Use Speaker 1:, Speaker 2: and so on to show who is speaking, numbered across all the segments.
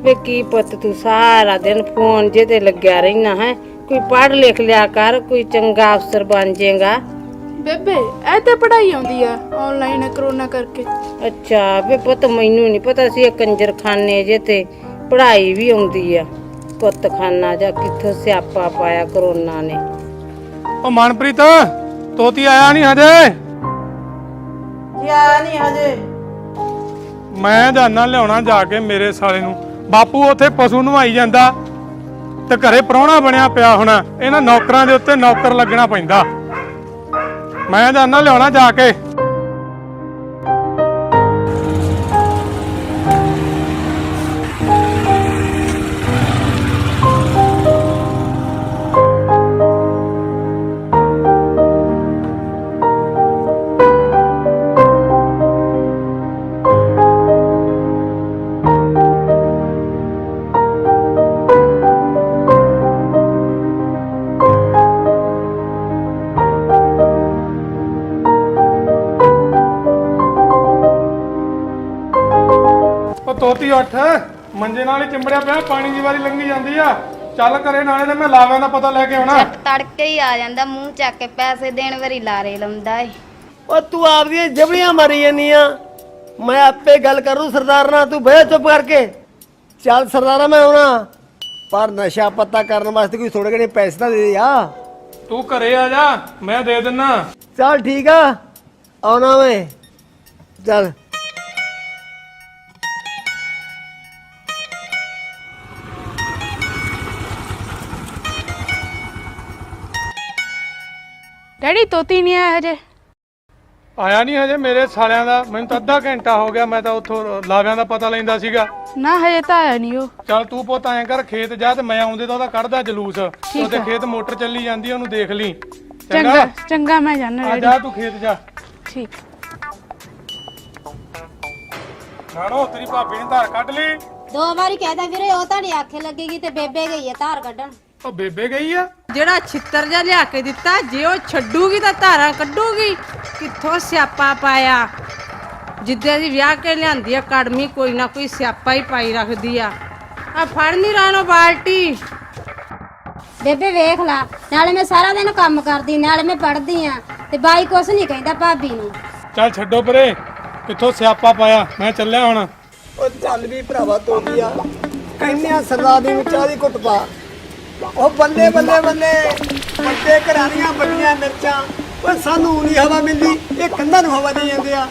Speaker 1: वे की पुत तू सारा दिन फोन जे ते लग्या रहना है। कोई पढ़ लिख लिया कर, कोई चंगा अफसर बन जाएगा।
Speaker 2: ਬੇਬੇ ਇਹ ਤੇ ਪੜ੍ਹਾਈ ਆਉਂਦੀ ਆ ਆਨਲਾਈਨ ਕਰੋਨਾ ਕਰਕੇ।
Speaker 1: अच्छा वे पुत मैनू नहीं पता सी कंजर खाने जे ते पढ़ाई भी आउंदी आ। कुत्त खाना जा कित्थों स्यापा पाया करोना ने।
Speaker 3: ओ मनप्रीत तोती आया नहीं हजे?
Speaker 1: जी आया नहीं हजे।
Speaker 3: मैं जाना लियाना जाके मेरे साले नू। बापू उत्थे पशु नवाई जांदा ते घरे प्राहुणा बनया पिया होना। इन्हां नौकरां दे उत्ते नौकर लगना पैंदा। मैं जाना लियाना जाके। ਤੋਤੀ ਉੱਠ ਮੰਜੇ ਨਾਲ ਹੀ ਚਿੰਬੜਿਆ ਪਿਆ ਪਾਣੀ ਦੀ ਵਾਰੀ ਲੰਘੀ ਜਾਂਦੀ ਆ ਚੱਲ ਘਰੇ ਨਾਲੇ ਤੇ ਮੈਂ ਲਾਵਾਂ ਦਾ ਪਤਾ ਲੈ ਕੇ ਆਉਣਾ
Speaker 4: ਤੜਕੇ ਹੀ ਆ ਜਾਂਦਾ ਮੂੰਹ ਚੱਕ ਕੇ ਪੈਸੇ ਦੇਣ ਵਾਰੀ ਲਾਰੇ ਲਾਉਂਦਾ ਏ
Speaker 5: ਉਹ ਤੂੰ ਆਪਦੀਆਂ ਜਬੜੀਆਂ ਮਾਰੀ ਜਾਂਦੀਆਂ ਮੈਂ ਆਪੇ ਗੱਲ ਕਰੂ ਸਰਦਾਰ ਨਾਲ ਤੂੰ ਬਹਿ ਚੁੱਪ ਕਰਕੇ ਚੱਲ ਸਰਦਾਰਾ ਮੈਂ ਆਉਣਾ ਪਰ ਨਸ਼ਾ ਪੱਤਾ ਕਰਨ ਵਾਸਤੇ ਕੋਈ ਥੋੜੇ ਘਣੇ ਪੈਸੇ ਤਾਂ ਦੇ ਦੇ ਆ
Speaker 3: ਤੂੰ ਘਰੇ ਆ ਜਾ ਮੈਂ ਦੇ ਦਿੰਨਾ
Speaker 5: ਚੱਲ ਠੀਕ ਆ ਆਉਣਾ ਮੈਂ ਚੱਲ
Speaker 2: ਡੈਡੀ ਤੋਤੀ ਨਹੀਂ ਆਇਆ ਹਜੇ।
Speaker 3: ਆਇਆ ਨਹੀਂ ਹਜੇ ਮੇਰੇ ਸਾਲਿਆਂ ਦਾ ਮੈਨੂੰ ਤਾਂ ਅੱਧਾ ਘੰਟਾ ਹੋ ਗਿਆ ਮੈਂ ਤਾਂ ਉੱਥੋਂ ਲਾਵਿਆਂ ਦਾ ਪਤਾ ਲੈਂਦਾ ਸੀਗਾ
Speaker 2: ਨਾ ਹਜੇ ਤਾਂ ਆਇਆ ਨਹੀਂ ਉਹ।
Speaker 3: ਚੱਲ ਤੂੰ ਪੁੱਤ ਐਂ ਕਰ ਖੇਤ ਜਾ ਤੇ ਮੈਂ ਆਉਂਦੇ ਤਾਂ ਉਹਦਾ ਕੱਢਦਾ ਜਲੂਸ ਉਹਦੇ ਖੇਤ ਮੋਟਰ ਚੱਲੀ ਜਾਂਦੀ ਉਹਨੂੰ ਦੇਖ ਲਈ
Speaker 2: ਚੰਗਾ ਚੰਗਾ ਮੈਂ ਜਾਣਾ
Speaker 3: ਆ
Speaker 2: ਡੈਡੀ।
Speaker 3: ਜਾ ਤੂੰ ਖੇਤ ਜਾ
Speaker 2: ਠੀਕ।
Speaker 3: ਨਾਣੋ ਤੇਰੀ ਭਾਬੀ ਨੇ ਧਾਰ ਕੱਢ ਲਈ
Speaker 4: 2 ਵਾਰੀ ਕਹਿਦਾ ਵੀਰੇ ਉਹ ਤਾਂ ਨਹੀਂ ਆਖੇ ਲੱਗੇਗੀ ਤੇ ਬੇਬੇ ਗਈ ਹੈ ਧਾਰ ਕੱਢਣ
Speaker 3: ਉਹ ਬੇਬੇ ਗਈ ਆ
Speaker 1: ਜਿਹੜਾ ਛਿੱਤਰ ਜਿਹਾ ਲਿਆ ਕੇ ਦਿੱਤਾ ਜੇ ਉਹ ਛੱਡੂਗੀ ਤਾਂ ਧਾਰਾਂ ਕੱਢੂਗੀ। ਕਿੱਥੋਂ ਸਿਆਪਾ ਪਾਇਆ। ਜਿੱਦੇ ਦੀ ਵਿਆਹ ਕੇ ਲਿਆਂਦੀ ਆ ਕੜਮੀ ਕੋਈ ਨਾ ਕੋਈ ਸਿਆਪਾ ਹੀ ਪਾਈ ਰੱਖਦੀ ਆ ਫੜ ਨਹੀਂ ਰਾਣੋ ਬਾਲਟੀ।
Speaker 4: ਬੇਬੇ ਵੇਖ ਲਾ ਨਾਲੇ ਮੈਂ ਸਾਰਾ ਦਿਨ ਕੰਮ ਕਰਦੀ ਨਾਲੇ ਮੈਂ ਪੜ੍ਹਦੀ ਆ ਤੇ ਬਾਈ ਕੁਛ ਨਹੀਂ ਕਹਿੰਦਾ ਭਾਬੀ ਨੂੰ।
Speaker 3: ਚੱਲ ਛੱਡੋ ਪਰੇ ਕਿੱਥੋਂ ਸਿਆਪਾ ਪਾਇਆ ਮੈਂ ਚੱਲਿਆ ਹੁਣ।
Speaker 5: ਉਹ ਚੱਲ ਵੀ ਭਰਾਵਾ ਤੋਦੀ ਆ ਕਹਿੰਦੇ ਆ ਸਰਦਾਰ ਦੀ ਚਾਹ ਦੀ ਘੁੱਟ ਪਾ ਉਹ ਬੱਲੇ ਬੱਲੇ ਬੱਲੇ ਵੱਡੇ ਘਰਾਂ ਦੀਆਂ ਵੱਡੀਆਂ ਮਿਰਚਾਂ ਉਹ ਸਾਨੂੰ ਨਹੀਂ ਹਵਾ ਮਿਲਦੀ ਇਹ ਕੰਧਾਂ ਨੂੰ ਹਵਾ ਦੇ ਜਾਂਦੇ ਆ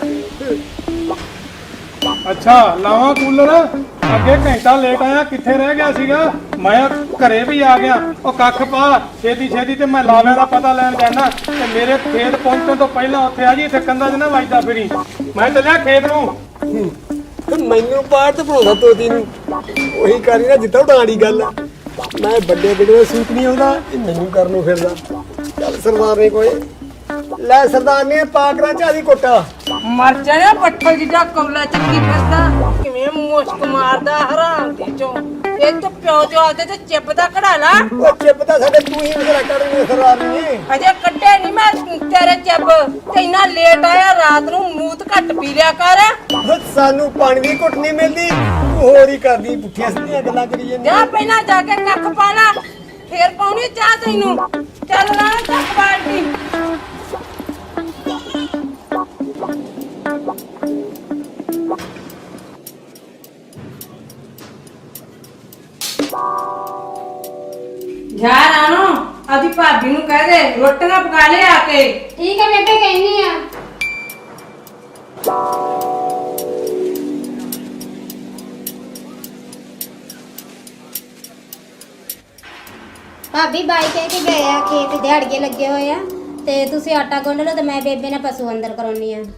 Speaker 3: ਅੱਛਾ ਲਾਵਾਂ ਕੂਲਰ ਅੱਗੇ ਘੰਟਾ ਲੇਟ ਆਇਆ ਕਿੱਥੇ ਰਹਿ ਗਿਆ ਸੀਗਾ ਮੈਂ ਘਰੇ ਵੀ ਆ ਗਿਆ ਉਹ ਕੱਖ ਪਾ ਛੇਤੀ ਛੇਤੀ ਤੇ ਮੈਂ ਲਾਵਿਆਂ ਦਾ ਪਤਾ ਲੈਣ ਜਾਣਾ ਤੇ ਮੇਰੇ ਖੇਤ ਪਹੁੰਚਣ ਤੋਂ ਪਹਿਲਾਂ ਉੱਥੇ ਆ ਜੀ ਇੱਥੇ ਕੰਧਾਂ 'ਚ ਨਾ ਵੱਜਦਾ ਫਿਰੀ ਮੈਂ ਚੱਲਿਆ ਖੇਤ ਨੂੰ।
Speaker 5: ਮੈਨੂੰ ਪਾਰ ਤੇ ਬਣਾਉਂਦਾ ਤੋਦੀ ਨੂੰ ਉਹੀ ਕਰੀ ਨਾ ਜਿੱਦਾਂ ਉਡਾਣੀ ਗੱਲ ਆ ਮੈਂ ਵੱਡੇ ਵੱਡੇ ਸੂਟ ਨਹੀਂ ਆਉਂਦਾ ਇਹ ਮੈਨੂੰ ਕਰਨ ਨੂੰ ਫਿਰਦਾ ਚੱਲ ਸਰਦਾਰ ਨੇ ਕੋਈ ਲੈ ਸਰਦਾਰ ਨੇ ਪਾਕਰਾ ਚਾਹਦੀ ਕੋਟਾ
Speaker 1: ਮਰ ਜਾਣਾ ਪੱਠਲ ਜਿਹਾ ਕੌਲਾ ਚੱਕੀ ਫਿਰਦਾ ਕਿਵੇਂ ਮੁਸ਼ਕ ਮਾਰਦਾ ਹਰਾਮ ਦੀ ਚੋਂ। ਇਹ ਤਾਂ ਪਿਓ ਜੋ ਆਦੇ ਤੇ ਚਿੱਪ ਦਾ ਕਢਾ ਲਾ।
Speaker 5: ਉਹ ਚਿੱਪ ਤਾਂ ਸਾਡੇ ਤੂੰ ਹੀ ਮੇਰਾ ਕਰਨੀ ਸਰਦਾਰ ਨੇ
Speaker 1: ਅਜੇ ਕੱਢੇ ਨਹੀਂ ਮੈਂ ਤੇਰੇ ਚਿੱਪ ਤੇ ਇੰਨਾ ਲੇਟ ਆਇਆ ਰਾਤ ਨੂੰ ਮੂਤ ਘੱਟ ਪੀ ਲਿਆ ਕਰ।
Speaker 5: ਸਾਨੂੰ ਪਾਣੀ ਦੀ ਘੁੱਟ ਨਹੀਂ ਮਿਲਦੀ ਹੋਰ ਹੀ ਕਰਦੀ ਪੁੱਠੀਆਂ ਸਿੱਧੀਆਂ ਗੱਲਾਂ ਕਰੀ ਜਾਂਦੀ
Speaker 1: ਜਾ ਪਹਿਲਾਂ ਜਾ ਕੇ ਕੱਖ ਪਾ ਲਾ ਫੇਰ ਪਾਉਣੀ ਚਾਹ ਤੈਨੂੰ। ਚੱਲ ਨਾ ਕੱਖ ਬਾਲਟੀ। ਜਾ ਰਾਣੋ ਆਦੀ ਭਾਬੀ ਨੂੰ ਕਹਿ ਦੇ ਰੋਟੀਆਂ ਪਕਾ ਲੈ ਆ ਕੇ।
Speaker 4: ਠੀਕ ਹੈ ਬੇਬੇ ਕਹਿੰਦੀ ਆ। ਭਾਬੀ ਬਾਈ ਕਹਿ ਕੇ ਗਏ ਆ ਖੇਤ ਦਿਹਾੜੀਏ ਲੱਗੇ ਹੋਏ ਆ ਤੇ ਤੁਸੀਂ ਆਟਾ ਗੁੰਨ ਲਓ ਤੇ ਮੈਂ ਬੇਬੇ ਨਾਲ ਪਸ਼ੂ ਅੰਦਰ ਕਰਾਉਣੀ ਆ।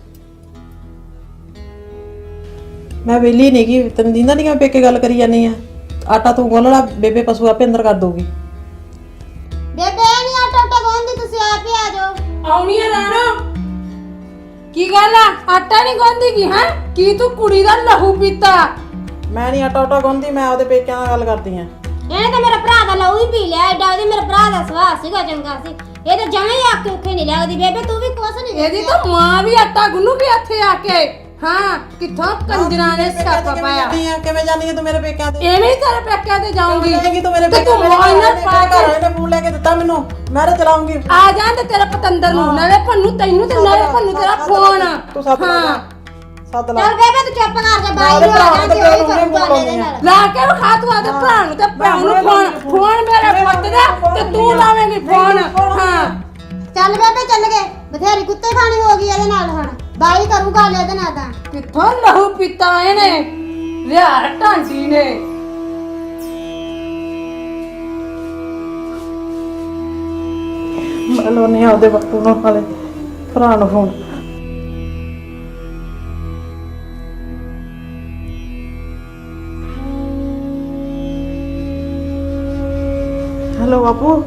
Speaker 6: ਮੈਂ ਵੇਲੀ ਨਹੀਂ ਗਈ ਤੈਨੂੰ ਦਿੰਦਾ ਨਹੀਂ ਮੈਂ ਪੇਕੇ ਗੱਲ ਕਰੀ ਜਾਨੀ ਆ ਆਟਾ ਤੂੰ ਗੁੰਨ ਲਾ ਬੇਬੇ ਪਸ਼ੂ ਆਪੇ ਅੰਦਰ ਕਰ ਦਊਗੀ।
Speaker 4: ਬੇਬੇ ਨਹੀਂ ਆਟਾ ਗੁੰਨਦੀ ਤੁਸੀਂ ਆਪ ਹੀ ਆ ਜਾਓ।
Speaker 1: ਆਉਣੀ ਆ ਰਾਣੋ ਕੀ ਗੱਲ ਆ ਆਟਾ ਨਹੀਂ ਗੁੰਨਦੀ ਕੀ ਹੈ ਕੀ ਤੂੰ ਕੁੜੀ ਦਾ ਲਹੂ ਪੀਤਾ।
Speaker 6: ਮੈਂ ਨਹੀਂ ਆਟਾ ਗੁੰਨਦੀ ਮੈਂ ਆਪਦੇ ਪੇਕਿਆਂ ਨਾਲ ਗੱਲ ਕਰਦੀ ਆ।
Speaker 4: ਇਹਨੇ ਤਾਂ ਮੇਰੇ ਭਰਾ ਦਾ ਲਹੂ ਹੀ ਪੀ ਲਿਆ ਐਡਾ ਉਹਦੇ ਮੇਰੇ ਭਰਾ ਦਾ ਸੁਭਾਅ ਸੀਗਾ ਚੰਗਾ ਸੀ ਇਹ ਤਾਂ ਜਮਾਂ ਹੀ ਆਕੇ ਉੱਥੇ ਨਹੀਂ ਲੱਗਦੀ। ਬੇਬੇ ਤੂੰ ਵੀ ਕੁਛ ਨਹੀਂ
Speaker 1: ਇਹਦੀ ਤਾਂ ਮਾਂ ਵੀ ਆਟਾ ਗੁੰਨੂਗੀ ਇੱਥੇ ਆ ਕੇ ਹਾਂ ਕਿੱਥੋਂ ਕੰਜਰਾਂ ਨੇ ਸਿਆਪਾ ਪਾਇਆ।
Speaker 6: ਕਿਵੇਂ ਜਾਣੀ ਤੂੰ ਮੇਰੇ ਪੇਕਿਆਂ ਤੇ?
Speaker 1: ਐਵੇਂ ਹੀ ਤੇਰੇ ਪੇਕਿਆਂ ਤੇ ਜਾਊਂਗੀ।
Speaker 6: ਜਾਏਗੀ ਤੂੰ ਮੇਰੇ
Speaker 1: ਤੇ
Speaker 6: ਪੇਕਿਆਂ
Speaker 1: ਤੂੰ ਮੌਜ ਨਾਲ ਪਾ ਕੇ
Speaker 6: ਘਰ ਨੇ ਫੋਨ ਲੈ ਕੇ ਦਿੱਤਾ ਮੈਨੂੰ, ਮੈਂ ਤਾਂ ਚਲਾਉਂਗੀ।
Speaker 1: ਆ ਜਾਂ ਤੇ ਤੇਰਾ ਪਤੰਦਰ ਨੂੰ ਨਾਲੇ ਭੰਨੂ ਤੈਨੂੰ ਤੇ ਨਾਲੇ ਭੰਨੂ ਤੇਰਾ ਫੋਨ।
Speaker 6: ਤੂੰ ਸੱਦ ਲਾ ਸੱਦ ਲਾ।
Speaker 4: ਚੱਲ ਬੇਬੇ ਤੂੰ ਚੁੱਪ ਕਰ ਜਾ, ਬਾਈ ਨੂੰ ਆ ਜਾਂਦੀ ਉਹੀ ਕਰੂਗਾ ਇਹਦੇ ਨਾਲ।
Speaker 1: ਲਾ ਕੇ ਵਿਖਾ ਤੂੰ ਆਦੇ ਭਰਾ ਨੂੰ ਤੇ ਭੈਣ ਨੂੰ ਫੋਨ ਮੇਰੇ ਪੁੱਤ ਦਾ ਤੇ ਤੂੰ ਲਾਵੇਂਗੀ ਫੋਨ। ਹਾਂ
Speaker 4: ਚੱਲ ਬੇਬੇ ਚੱਲ ਗਏ, ਬਥੇਰੀ ਕੁੱਤੇ ਖਾਣੀ ਹੋ ਗਈ ਇਹਦੇ ਨਾਲ, ਹੁਣ ਬਾਈ ਕਰੂਗਾ ਇਹਦੇ ਨਾਲ ਤਾਂ।
Speaker 1: ਕਿੱਥੋਂ ਲਹੂ ਪੀਤਾ ਇਹਨੇ ਵਿਆਹ ਢਾਂਡੀ ਨੇ।
Speaker 6: ਮੈਂ ਲਾਉਣੀ ਆ ਉਹਦੇ ਵਕਤ ਨੂੰ ਨਾਲੇ ਭਰਾ ਨੂੰ ਫੋਨ। ਹੈਲੋ ਬਾਪੂ।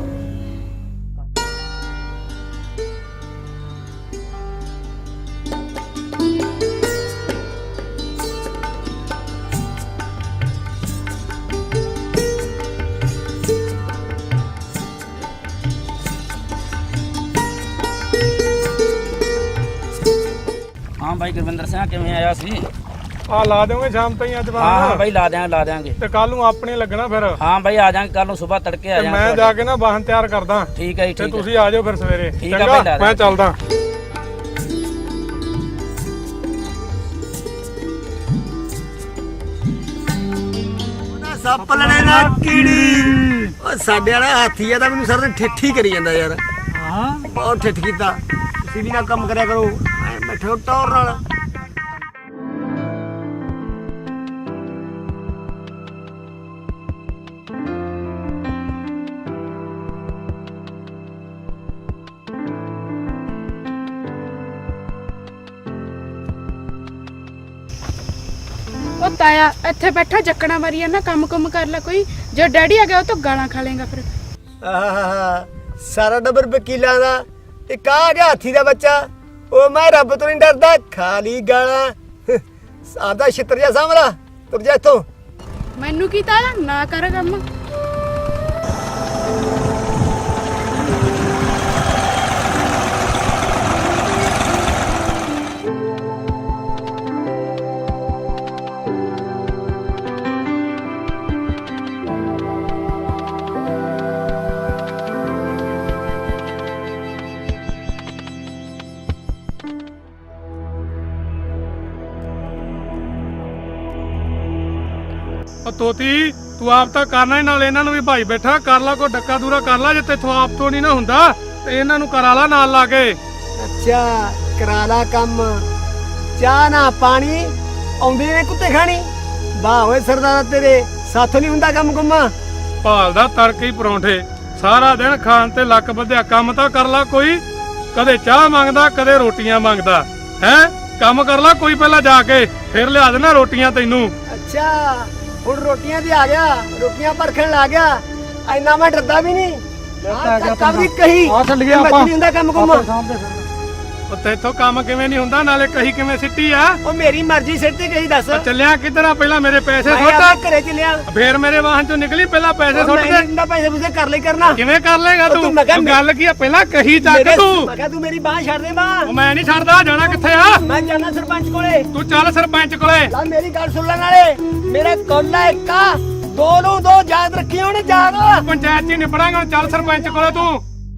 Speaker 7: ਹਾਂ ਬਾਈ ਗੁਰਵਿੰਦਰ ਸਿੰਘ ਕਿਵੇਂ ਆਇਆ ਸੀ?
Speaker 3: ਆ ਲਾ ਦੇਵਾਂਗੇ ਸ਼ਾਮ ਤਾਈਂ ਅੱਜ
Speaker 7: ਹਾਂ ਹਾਂ
Speaker 3: ਬਾਅਦ
Speaker 7: ਬਾਈ ਲਾ ਦਿਆਂਗੇ
Speaker 3: ਤੇ ਕੱਲ ਨੂੰ ਆਪਣੇ ਲੱਗਣਾ ਫਿਰ।
Speaker 7: ਹਾਂ ਬਾਈ ਆ ਜਾਾਂਗੇ ਕੱਲ ਨੂੰ ਸਵੇਰ ਤੜਕੇ ਆ
Speaker 3: ਤੇ
Speaker 7: ਜਾਾਂਗੇ।
Speaker 3: ਮੈਂ ਜਾ ਕੇ ਨਾ ਵਾਹਨ ਤਿਆਰ ਕਰਦਾ
Speaker 7: ਠੀਕ ਹੈ ਜੀ
Speaker 3: ਤੇ
Speaker 7: ਠੀਕ ਹੈ।
Speaker 3: ਤੁਸੀਂ ਆ ਜਾਓ ਫਿਰ ਸਵੇਰੇ।
Speaker 7: ਠੀਕ ਆ
Speaker 3: ਚੰਗਾ
Speaker 7: ਭਾਈ, ਲਾ ਦੇ।
Speaker 3: ਮੈਂ ਚੱਲਦਾ।
Speaker 5: ਸੱਪ ਲੜੇ ਨਾ ਕੀੜੀ। ਓ ਸਾਡੇ ਵਾਲਾ ਹਾਥੀ ਆ ਤਾਂ ਮੈਨੂੰ ਸਰ ਨੇ ਠੇਠੀ ਕਰੀ ਜਾਂਦਾ ਯਾਰ। ਹਾਂ ਬਹੁਤ ਠੇਠ ਕੀਤਾ। ਤੁਸੀਂ ਵੀ ਨਾ ਕੰਮ ਕਰਿਆ ਕਰੋ, ਐ ਬੈਠੋ ਟੌਰ ਨਾਲ।
Speaker 2: ਉਹ ਤਾਇਆ ਇੱਥੇ ਬੈਠਾ ਜੱਕਣਾ ਮਾਰੀ ਨਾ, ਕੰਮ ਕੁਮ ਕਰ ਲੈ ਕੋਈ। ਜੇ ਡੈਡੀ ਆ ਗਿਆ ਉਹ ਤਾਂ ਗਾਲਾਂ ਖਾ ਲੇਗਾ ਫਿਰ।
Speaker 5: ਆਹਾ ਸਾਰਾ ਡੱਬਰ ਵਕੀਲਾਂ ਦਾ ਇੱਕ ਆ ਗਿਆ ਹਾਥੀ ਦਾ ਬੱਚਾ। ਉਹ ਮੈਂ ਰੱਬ ਤੋਂ ਨਹੀਂ ਡਰਦਾ, ਖਾਲੀ ਗਾਲਾਂ। ਆਦਾ ਛਿੱਤਰ ਜਾ ਸਾਹਮਣਾ, ਤੁਰ ਜਾ ਇੱਥੋਂ।
Speaker 2: ਮੈਨੂੰ ਕੀ ਤਾਇਆ, ਨਾ ਕਰ ਕੰਮ।
Speaker 3: ਉਹ ਤੋਤੀ ਤੂੰ ਆਪ ਤਾਂ ਕਰਨਾ ਹੀ, ਨਾਲ ਇਹਨਾਂ ਨੂੰ ਵੀ ਭਾਈ ਬੈਠਾ ਕਰ ਲਾ, ਕੋਈ ਡੱਕਾ ਦੂਰਾ ਕਰ ਲਾ। ਜੇ ਤੇਥੋਂ ਆਪ ਤੋਂ ਨਹੀਂ ਨਾ ਹੁੰਦਾ ਤੇ ਇਹਨਾਂ ਨੂੰ ਕਰਾ ਲਾ ਨਾਲ ਲਾ ਕੇ।
Speaker 5: ਅੱਛਾ ਕਰਾ ਲਾ ਕੰਮ। ਚਾਹ ਨਾ ਪਾਣੀ ਆਉਂਦੇ ਨੇ ਕੁੱਤੇ ਖਾਣੀ। ਵਾਹ ਓਏ ਸਰਦਾਰਾ ਤੇਰੇ ਸਾਥੋਂ ਨਹੀਂ ਹੁੰਦਾ ਕੰਮ ਕੁੰਮਾ।
Speaker 3: ਭਾਲਦਾ ਤੜਕੇ ਹੀ ਪਰੌਂਠੇ, ਸਾਰਾ ਦਿਨ ਖਾਣ ਤੇ ਲੱਕ ਬੱਧਿਆ। ਕੰਮ ਤਾਂ ਕਰ ਲਾ ਕੋਈ, ਕਦੇ ਚਾਹ ਮੰਗਦਾ ਕਦੇ ਰੋਟੀਆਂ ਮੰਗਦਾ ਹੈ। ਕੰਮ ਕਰ ਲਾ ਕੋਈ ਪਹਿਲਾਂ ਜਾ ਕੇ, ਫਿਰ ਲਿਆ ਦੇਣਾ ਰੋਟੀਆਂ ਤੈਨੂੰ।
Speaker 5: ਅੱਛਾ ਹੁਣ ਰੋਟੀਆਂ ਤੇ ਆ ਗਿਆ, ਰੋਟੀਆਂ ਪਰਖਣ ਲੱਗ ਗਿਆ। ਐਨਾ ਮੈਂ ਡਰਦਾ ਵੀ ਨਹੀਂ। ਕਦੀ ਕਹੀ
Speaker 3: ਆ ਛੱਡ ਗਿਆ ਆਪਾਂ।
Speaker 5: ਨਹੀਂ ਹੁੰਦਾ ਕੰਮ ਕੁੰਮਾ।
Speaker 3: ਉਹ ਤੇਥੋਂ ਕੰਮ ਕਿਵੇਂ ਨਹੀਂ ਹੁੰਦਾ, ਨਾਲੇ ਕਹੀ ਕਿਵੇਂ ਸਿੱਟੀ ਆ।
Speaker 5: ਉਹ ਮੇਰੀ ਮਰਜ਼ੀ ਸਿਰ ਤੇ ਕਹੀ ਦੱਸ।
Speaker 3: ਉਹ ਚੱਲਿਆ ਕਿੱਧਰ ਆ? ਪਹਿਲਾਂ ਮੇਰੇ ਪੈਸੇ
Speaker 5: ਮੈਂ
Speaker 3: ਸੁੱਟ,
Speaker 5: ਆਪਣੇ ਘਰੇ ਚੱਲਿਆ।
Speaker 3: ਫੇਰ ਮੇਰੇ ਵਾਹਨ ਚੋਂ ਨਿਕਲੀ। ਪਹਿਲਾਂ ਪੈਸੇ ਸੁੱਟ ਦੇ।
Speaker 5: ਇੰਦਾ ਪੈਸੇ ਪੂਸੇ ਕਰ ਲਈ ਕਰਨਾ।
Speaker 3: ਕਿਵੇਂ ਕਰ ਲੇਗਾ
Speaker 5: ਉਹ
Speaker 3: ਤੂੰ?
Speaker 5: ਤੂੰ ਮੈਂ ਕਿਹਾ
Speaker 3: ਗੱਲ ਕੀ ਆ? ਪਹਿਲਾਂ ਕਹੀ ਚੱਕ ਤੂੰ।
Speaker 5: ਮੈਂ ਕਿਹਾ ਤੂੰ ਮੇਰੀ ਬਾਹ ਛੱਡ ਦੇ ਬਾਹ।
Speaker 3: ਉਹ ਮੈਂ ਨਹੀਂ ਛੱਡਦਾ। ਜਾਣਾ ਕਿੱਥੇ ਆ?
Speaker 5: ਮੈਂ ਜਾਣਾ ਸਰਪੰਚ ਕੋਲੇ।
Speaker 3: ਤੂੰ ਚੱਲ ਸਰਪੰਚ ਕੋਲੇ।
Speaker 5: ਲਾ ਮੇਰੀ ਗੱਲ ਸੁਣ ਲੈ ਨਾਲੇ। ਮੇਰੇ ਕੋਲਾ ਇੱਕ ਆ, ਦੋ ਨੂੰ ਦੋ ਯਾਦ ਰੱਖੀ ਹੁਣ ਯਾਦ।
Speaker 3: ਪੰਚਾਇਤ 'ਚ ਹੀ ਨਿਪੜਾਂਗੇ ਹੁਣ। ਚੱਲ ਸਰਪੰਚ ਕੋਲੇ ਤੂੰ।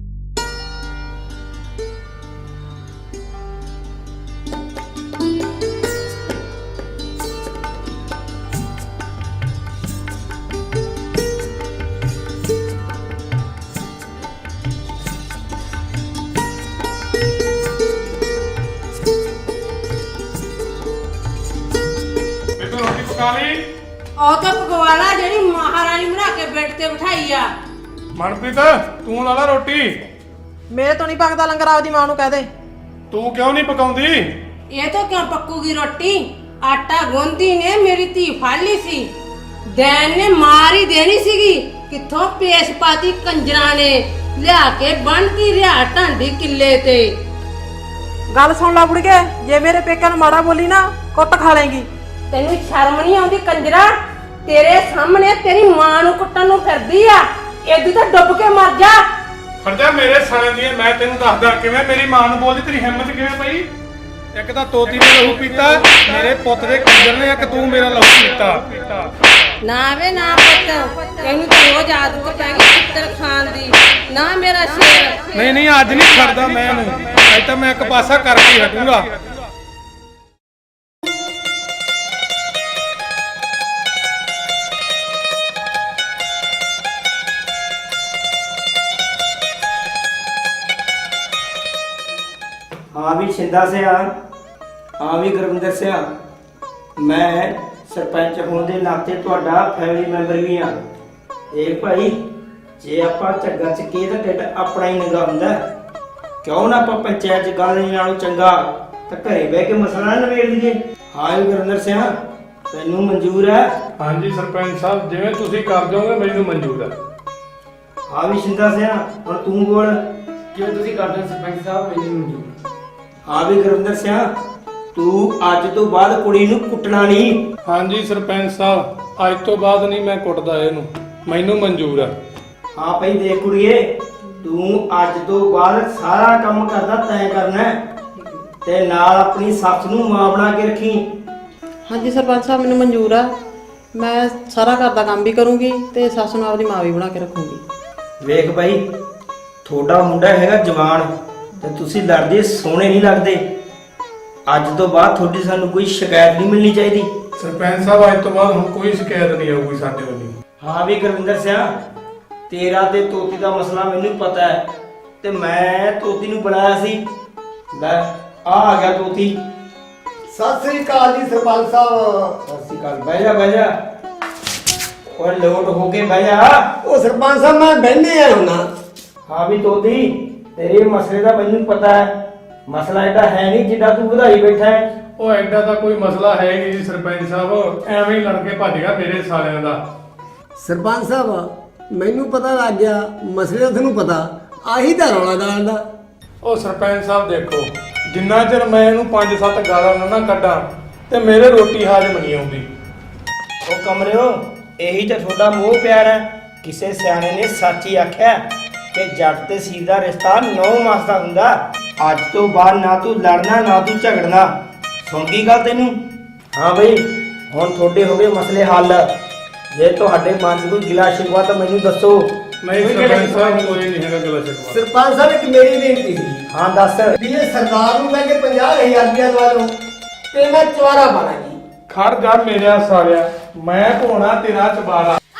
Speaker 3: ਮੈਨੂੰ ਰੋਟੀ ਪਕਾ ਲਈ।
Speaker 1: ਉਹ ਤਾਂ ਪਕਵਾਲਾ ਜਿਹੜੀ ਮਹਾਰਾਣੀ ਬਣਾ ਕੇ ਬੈੱਡ ਤੇ ਬਿਠਾਈ ਆ।
Speaker 3: ਮਨਪ੍ਰੀਤ ਤੂੰ ਲਾ ਲਾ ਰੋਟੀ।
Speaker 6: ਮੇਰੇ ਤੋਂ ਨਹੀਂ ਪੱਕਦਾ ਲੰਗਰ, ਆਪਦੀ ਮਾਂ ਨੂੰ ਕਹਿ ਦੇ।
Speaker 3: ਤੂੰ ਕਿਉਂ ਨਹੀਂ ਪਕਾਉਂਦੀ?
Speaker 1: ਇਹ ਤਾਂ ਕਿਉਂ ਪੱਕੂਗੀ ਰੋਟੀ? ਆਟਾ ਗੁੰਦੀ ਨੇ ਮੇਰੀ ਧੀ ਫੜ ਲਈ ਸੀ, ਦੈਨ ਨੇ ਮਾਰ ਹੀ ਦੇਣੀ ਸੀਗੀ। ਕਿੱਥੋਂ ਪੇਸ਼ ਪਾਤੀ ਕੰਜਰਾਂ ਨੇ, ਲਿਆ ਕੇ ਬੰਨਤੀ ਰਿਆ ਢਾਂਡੀ ਕਿੱਲੇ ਤੇ।
Speaker 6: ਗੱਲ ਸੁਣ ਲਾ ਬੁੜੀਏ, ਜੇ ਮੇਰੇ ਪੇਕਿਆਂ ਨੂੰ ਮਾੜਾ ਬੋਲੀ ਨਾ ਕੁੱਟ ਖਾ ਲੇਗੀ।
Speaker 1: ਤੈਨੂੰ ਸ਼ਰਮ ਨਹੀਂ ਆਉਂਦੀ ਕੰਜਰਾ? ਤੇਰੇ ਸਾਹਮਣੇ ਤੇਰੀ ਮਾਂ ਨੂੰ ਕੁੱਟਣ ਨੂੰ ਫਿਰਦੀ ਆ। ਏਦੂ ਤਾਂ ਡੁੱਬ ਕੇ ਮਰ ਜਾ।
Speaker 3: ਖੜ ਜਾ ਮੇਰੇ ਸਾਲੇ ਦੀ। ਮੈਂ ਤੈਨੂੰ ਦੱਸਦਾ ਕਿਵੇਂ ਮੇਰੀ ਮਾਂ ਨੂੰ ਬੋਲਦੀ। ਤੇਰੀ ਹਿੰਮਤ ਕਿਵੇਂ ਪਈ? ਇੱਕ ਤਾਂ ਤੋਤੀ ਨੇ ਲਹੂ ਪੀਤਾ, ਮੇਰੇ ਪੁੱਤ ਦੇ ਕੰਜਰ ਨੇ, ਇੱਕ ਤੂੰ ਮੇਰਾ ਲਹੂ ਪੀਤਾ।
Speaker 1: ਨਾ ਵੇ ਨਾ ਪੁੱਤ, ਇਹਨੂੰ ਤਾਂ ਰੋਜ਼ ਆਦਤ ਪੈ ਗਈ ਚਿੱਤਰ ਖਾਣ ਦੀ। ਨਾ ਮੇਰਾ ਸ਼ੇਰ।
Speaker 3: ਨਹੀਂ ਨਹੀਂ, ਅੱਜ ਨਹੀਂ ਛੱਡਦਾ ਮੈਂ ਇਹਨੂੰ, ਅੱਜ ਤਾਂ ਮੈਂ ਇੱਕ ਪਾਸਾ ਕਰਕੇ ਹੀ ਹਟੂੰਗਾ।
Speaker 8: हाँ भी शिंदा से हाँ भी गुरविंदर से मैं सरपंच होने के नाते तुहाडा फैमिली मैंबर भी हाँ। देख भाई जे आपां झग्गा चुकीए तो ढिड अपना ही नंगा हुंदा, क्यों ना आपां पंचायत च गल नहीं नालों चंगा तो घरे बह के मसला ना नवेड़ दईए। हाँ भी गुरविंदर से तैनूं मंजूर है?
Speaker 3: हाँ जी सरपंच साहब, जिवें तुसीं कर दोगे मैनूं मंजूर है।
Speaker 8: हाँ भी शिंदा से हुण तूं बोल।
Speaker 9: जो तुसीं कर दो सरपंच साहब मैनूं मंजूर।
Speaker 8: हाँ भी गुरविंदर सिंह, तू अज तो बाद कुड़ी नूं कुटना नहीं।
Speaker 3: हाँ जी सरपंच साहब, अज तो बाद नहीं मैं कुटदा इहनूं, मैनूं मंजूर है।
Speaker 8: हाँ भाई देख कुड़िए, तू अज तो बाद सारा काम करदा तैं करना है ते नाल अपनी सੱਸ ਨੂੰ मां बना के रखी।
Speaker 6: ਹਾਂਜੀ ਸਰਪੰਚ ਸਾਹਿਬ ਮੈਨੂੰ ਮਨਜ਼ੂਰ ਆ, ਮੈਂ ਸਾਰਾ ਘਰ ਦਾ ਕੰਮ ਵੀ ਕਰੂੰਗੀ ਤੇ ਸੱਸ ਨੂੰ ਆਪਦੀ ਮਾਂ ਵੀ ਬਣਾ ਕੇ ਰੱਖੂੰਗੀ।
Speaker 8: ਵੇਖ ਭਾਈ, ਤੁਹਾਡਾ ਮੁੰਡਾ ਹੈਗਾ ਜਵਾਨ ਤੇ ਤੁਸੀਂ ਲੜਦੇ ਸੋਹਣੇ ਨਹੀਂ ਲੱਗਦੇ। ਅੱਜ ਤੋਂ ਬਾਅਦ ਤੁਹਾਡੀ ਸਾਨੂੰ ਕੋਈ ਸ਼ਿਕਾਇਤ ਨਹੀਂ ਮਿਲਣੀ ਚਾਹੀਦੀ।
Speaker 3: ਸਰਪੰਚ ਸਾਹਿਬ, ਅੱਜ ਤੋਂ ਬਾਅਦ ਹੁਣ ਕੋਈ ਸ਼ਿਕਾਇਤ ਨਹੀਂ ਆਊਗੀ ਸਾਡੇ ਵੱਲੋਂ।
Speaker 8: ਹਾਂ ਵੀ ਗੁਰਵਿੰਦਰ ਸਿੰਘ, ਤੇਰਾ ਤੇ ਤੋਤੀ ਦਾ ਮਸਲਾ ਮੈਨੂੰ ਪਤਾ ਹੈ ਤੇ ਮੈਂ ਤੋਤੀ ਨੂੰ ਬੁਲਾਇਆ ਸੀ। ਲੈ ਆ ਗਿਆ ਤੋਤੀ।
Speaker 5: ਸਤਿ ਸ੍ਰੀ ਅਕਾਲ ਜੀ ਸਰਪੰਚ ਸਾਹਿਬ।
Speaker 8: ਸਤਿ ਸ਼੍ਰੀ ਅਕਾਲ। ਬਹਿ ਜਾ ਬਹਿ ਜਾ, ਓਏ ਲੋਟ ਹੋ ਕੇ ਬਹਿ ਜਾ।
Speaker 5: ਉਹ ਸਰਪੰਚ ਸਾਹਿਬ ਮੈਂ ਬਹਿਨੇ ਆ ਹੁਣਾ।
Speaker 8: ਹਾਂ ਵੀ ਤੋਤੀ, ਤੇਰੇ ਮਸਲੇ ਦਾ ਮੈਨੂੰ ਪਤਾ ਹੈ। ਮਸਲਾ ਇਹਦਾ ਹੈ ਨਹੀਂ ਜਿੱਦਾਂ ਤੂੰ ਵਧਾਈ ਬੈਠਾ ਹੈ।
Speaker 3: ਉਹ ਐਡਾ ਤਾਂ ਕੋਈ ਮਸਲਾ ਹੈ ਨਹੀਂ ਜੀ ਸਰਪੰਚ ਸਾਹਿਬ, ਐਵੇਂ ਹੀ ਲੜ ਕੇ ਭੱਜ ਗਿਆ ਮੇਰੇ ਸਾਲਿਆਂ ਦਾ।
Speaker 5: ਸਰਪੰਚ ਸਾਹਿਬ ਮੈਨੂੰ ਪਤਾ ਲੱਗ ਗਿਆ, ਮਸਲੇ ਦਾ ਤੁਹਾਨੂੰ ਪਤਾ, ਆਹੀ ਤਾਂ ਰੌਲਾ ਗਾਲ ਦਾ।
Speaker 3: ਉਹ ਸਰਪੰਚ ਸਾਹਿਬ ਦੇਖੋ, ਜਿੰਨਾ ਚਿਰ ਮੈਂ ਇਹਨੂੰ 5-7 ਗਾਲਾਂ ਨਾ ਕੱਢਾਂ ਤੇ ਮੇਰੇ ਰੋਟੀ ਹਾਜ਼ਮ ਨਹੀਂ ਆਉਂਦੀ।
Speaker 8: ਉਹ ਕਮਰਿਓ, ਇਹੀ ਤਾਂ ਤੁਹਾਡਾ ਮੋਹ ਪਿਆਰ ਹੈ। ਕਿਸੇ ਸਿਆਣੇ ਨੇ ਸੱਚ ਹੀ ਆਖਿਆ ਕਿ ਜੱਟ ਤੇ ਸੀਰ ਦਾ ਰਿਸ਼ਤਾ 9 ਮਾਸ ਦਾ ਹੁੰਦਾ। ਅੱਜ ਤੋਂ ਬਾਅਦ ਨਾ ਤੂੰ ਲੜਨਾ ਨਾ ਤੂੰ ਝਗੜਨਾ। ਸੁਣ ਗਈ ਗੱਲ ਤੈਨੂੰ? ਹਾਂ ਬਈ, ਹੁਣ ਤੁਹਾਡੇ ਹੋ ਗਏ ਮਸਲੇ ਹੱਲ। ਜੇ ਤੁਹਾਡੇ ਮਨ 'ਚ ਕੋਈ ਗਿਲਾ ਸ਼ਿਕਵਾ ਤਾਂ ਮੈਨੂੰ ਦੱਸੋ।
Speaker 3: ਨਹੀਂ ਸਰਪੰਚ ਸਾਹਿਬ, ਕੋਈ ਨਹੀਂ ਹੈਗਾ ਗਲਾ ਸ਼ਿਕਵਾ।
Speaker 5: ਸਰਪੰਚ ਸਾਹਿਬ ਇੱਕ ਮੇਰੀ ਬੇਨਤੀ ਸੀ।
Speaker 8: ਹਾਂ ਦੱਸ।
Speaker 5: ਵੀ ਇਹ ਸਰਦਾਰ ਨੂੰ ਮੈਂ ਕਿ 50,000 ਰੁਪਇਆ ਦਵਾ ਲਓ ਤੇ ਮੈਂ ਚਵਾਰਾ ਪਾਣਾ ਜੀ।
Speaker 3: ਖੜ ਜਾ ਮੇਰਿਆ ਸਾਲਿਆ, ਮੈਂ ਪਾਉਣਾ ਤੇਰਾ ਚਬਾਰਾ।